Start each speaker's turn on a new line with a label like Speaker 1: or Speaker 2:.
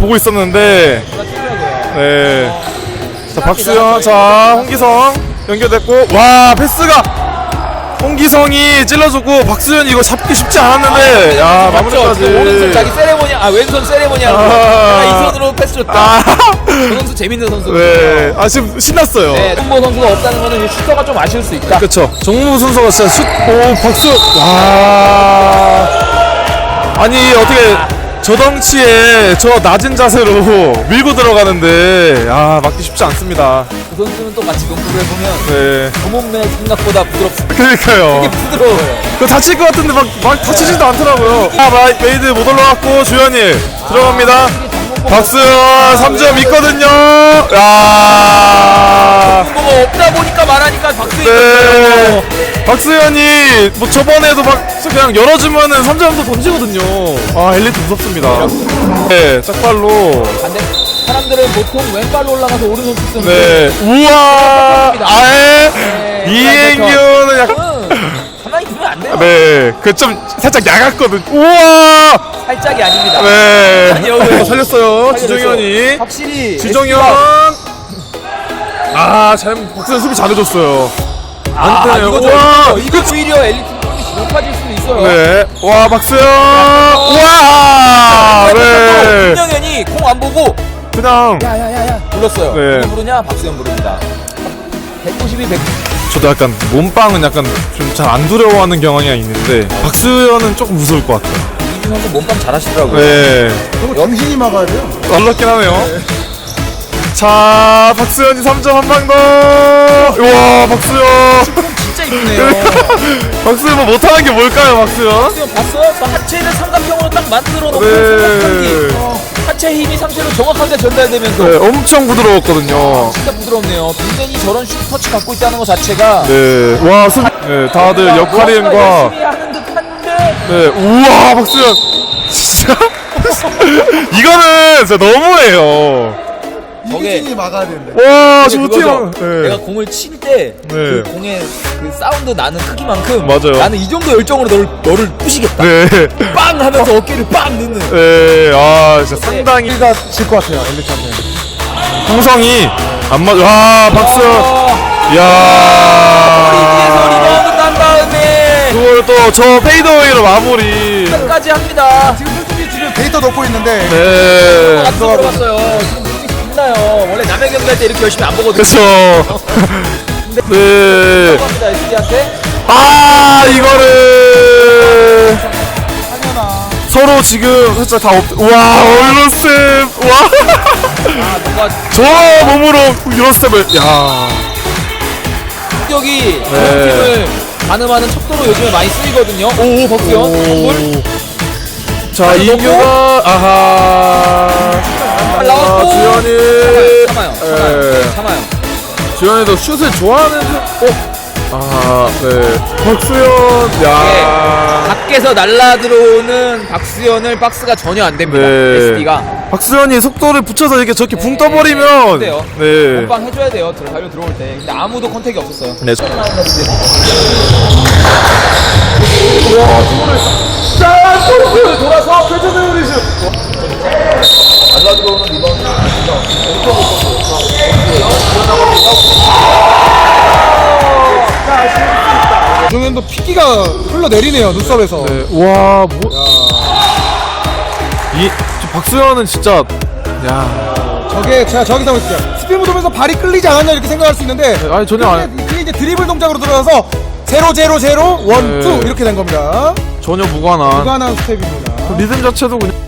Speaker 1: 보고 있었는데. 네. 자, 박수현, 자, 홍기성 연결됐고, 와, 패스가 홍기성이 찔러줬고, 박수현이 이거 잡기 쉽지 않았는데, 야, 마무리까지.
Speaker 2: 오른손 자기 세레모니아, 왼손 세레모니아. 이 손으로 패스 줬다. 저 선수 재밌는 선수.
Speaker 1: 네. 지금 신났어요.
Speaker 2: 네, 홍보 선수가 없다는 거는 슈터가 좀 아쉬울 수 있다.
Speaker 1: 그쵸. 정무 순서가 진짜 박수. 와. 아니, 어떻게 저 덩치에 저 낮은 자세로 밀고 들어가는데, 맞기 쉽지 않습니다.
Speaker 2: 그 선수는 또 같이 농구를 해보면
Speaker 1: 네.
Speaker 2: 저 몸매 생각보다 부드럽습니다.
Speaker 1: 그러니까요.
Speaker 2: 되게 부드러워요.
Speaker 1: 그 다칠 것 같은데 막 다치지도 않더라고요. 메이드 못 올라갔고, 조현일 들어갑니다. 박수현 3점 있거든요. 야.
Speaker 2: 뭐가 없다 보니까 말하니까 박수현.
Speaker 1: 네. 박수현이 뭐 저번에도 막 그냥 열어주면은 3점도 던지거든요. 엘리트 무섭습니다. 네, 짝발로.
Speaker 2: 반대 사람들은 보통 왼발로 올라가서 오른손 쓰는.
Speaker 1: 네. 우와. 아예. 이행규는 약간.
Speaker 2: 가만히 두면 안 돼요.
Speaker 1: 네. 그 좀 살짝 야갔거든. 우와.
Speaker 2: 살짝이 아닙니다.
Speaker 1: 네.
Speaker 2: 아니요.
Speaker 1: 살렸어요. 지정현이.
Speaker 2: 확실히
Speaker 1: 지정현. 박수현 수비 잘해줬어요. 안 되네요.
Speaker 2: 이거
Speaker 1: 우와.
Speaker 2: 이거 오히려 엘리트 높아질 수도 있어요.
Speaker 1: 네. 와, 박수현. 우와. 네.
Speaker 2: 김영현이 공 안 보고
Speaker 1: 그냥.
Speaker 2: 야야야야 불렀어요.
Speaker 1: 네.
Speaker 2: 누구 부르냐? 박수현 부릅니다. 192, 100.
Speaker 1: 저도 약간 몸빵은 약간 좀 잘 안 두려워하는 경향이 있는데 박수현은 조금 무서울 것 같아요.
Speaker 2: 이준 선수 몸빵 잘하시더라고요.
Speaker 1: 네.
Speaker 3: 그거 정신이 막아야 돼요.
Speaker 1: 놀랍긴 하네요. 자, 박수현이 3점 한 방 더. 우와, 박수현.
Speaker 2: 진짜 이쁘네요.
Speaker 1: 박수현 뭐 못하는 게 뭘까요, 박수현?
Speaker 2: 박수현 봤어요? 하체를 삼각형으로 딱 만들어 놓고
Speaker 1: 네.
Speaker 2: 하체 힘이 상체로 정확하게 전달되면서
Speaker 1: 네, 엄청 부드러웠거든요.
Speaker 2: 진짜 부드럽네요. 빈센이 저런 슛 터치 갖고 있다는 것 자체가
Speaker 1: 네, 와, 네, 다들 역할인과.
Speaker 2: 열심히 하는 듯한데.
Speaker 1: 네, 우와, 박수현. 진짜. 이거는 진짜 너무해요.
Speaker 3: 이기진이 막아야 되는데.
Speaker 1: 와, 저
Speaker 2: 그거죠.
Speaker 1: 어떻게. 네.
Speaker 2: 내가 공을 칠 때 그
Speaker 1: 네.
Speaker 2: 공의 그 사운드 나는 크기만큼
Speaker 1: 맞아요.
Speaker 2: 나는 이 정도 열정으로 너를 부시겠다.
Speaker 1: 네.
Speaker 2: 빵 하면서 어깨를 빵 넣는.
Speaker 1: 네, 진짜 상당히.
Speaker 3: 우리가 질 것 같아요, 엘리트한테.
Speaker 1: 홍성이 안 맞아. 와, 박수현.
Speaker 2: 뒤에서
Speaker 1: 이야.
Speaker 2: 리바운드 난 다음에
Speaker 1: 그걸 또 저 페이더웨이로 마무리.
Speaker 2: 끝까지 합니다.
Speaker 3: 지금 솔직히 지금 데이터 넣고 있는데.
Speaker 1: 네.
Speaker 2: 안 들어갔어요. 지금 눈이 빛나요. 원래 남의 경기할 때 이렇게 열심히 안 보거든요.
Speaker 1: 그쵸. 네.
Speaker 2: 합니다 SD한테.
Speaker 1: 이거를. 서로 지금 살짝 다 와, 얼룩스텝. 와.
Speaker 2: 뭔가
Speaker 1: 저 몸으로 이런 스텝을. 야.
Speaker 2: 공격이
Speaker 1: 네.
Speaker 2: 팀을 가늠하는 척도로 요즘에 많이 쓰이거든요. 오 박수현 선물.
Speaker 1: 자, 이규가. 아하.
Speaker 2: 잘 나왔고.
Speaker 1: 주현이.
Speaker 2: 참아요.
Speaker 1: 네.
Speaker 2: 참아요.
Speaker 1: 주현이도 슛을 좋아하는. 네. 박수현. 야.
Speaker 2: 밖에서 날라 들어오는 박수현을 박스가 전혀 안 됩니다.
Speaker 1: 네.
Speaker 2: SD가
Speaker 1: 박수현이 속도를 붙여서 이렇게 저렇게 붕
Speaker 2: 네.
Speaker 1: 떠버리면.
Speaker 2: 돼요.
Speaker 1: 네.
Speaker 2: 몸빵 해줘야 돼요. 달려 들어올 때. 근데 아무도 컨택이 없었어요.
Speaker 1: 네.
Speaker 2: 돌아서 펼쳐세우는 슛. 날라 들어오는 리바운드.
Speaker 3: 조정현도 피기가 흘러내리네요, 눈썹에서.
Speaker 1: 네. 와, 저 박수현은 진짜. 야.
Speaker 3: 저게 제가 저기 생각했요 스피드 돌면서 발이 끌리지 않았냐 이렇게 생각할 수 있는데.
Speaker 1: 아니, 전혀 안.
Speaker 3: 그게 이제 드리블 동작으로 들어가서 0, 0, 0, 1,
Speaker 1: 네.
Speaker 3: 2 이렇게 된 겁니다.
Speaker 1: 전혀 무관한.
Speaker 3: 무관한 스텝입니다.
Speaker 1: 리듬 자체도 그냥.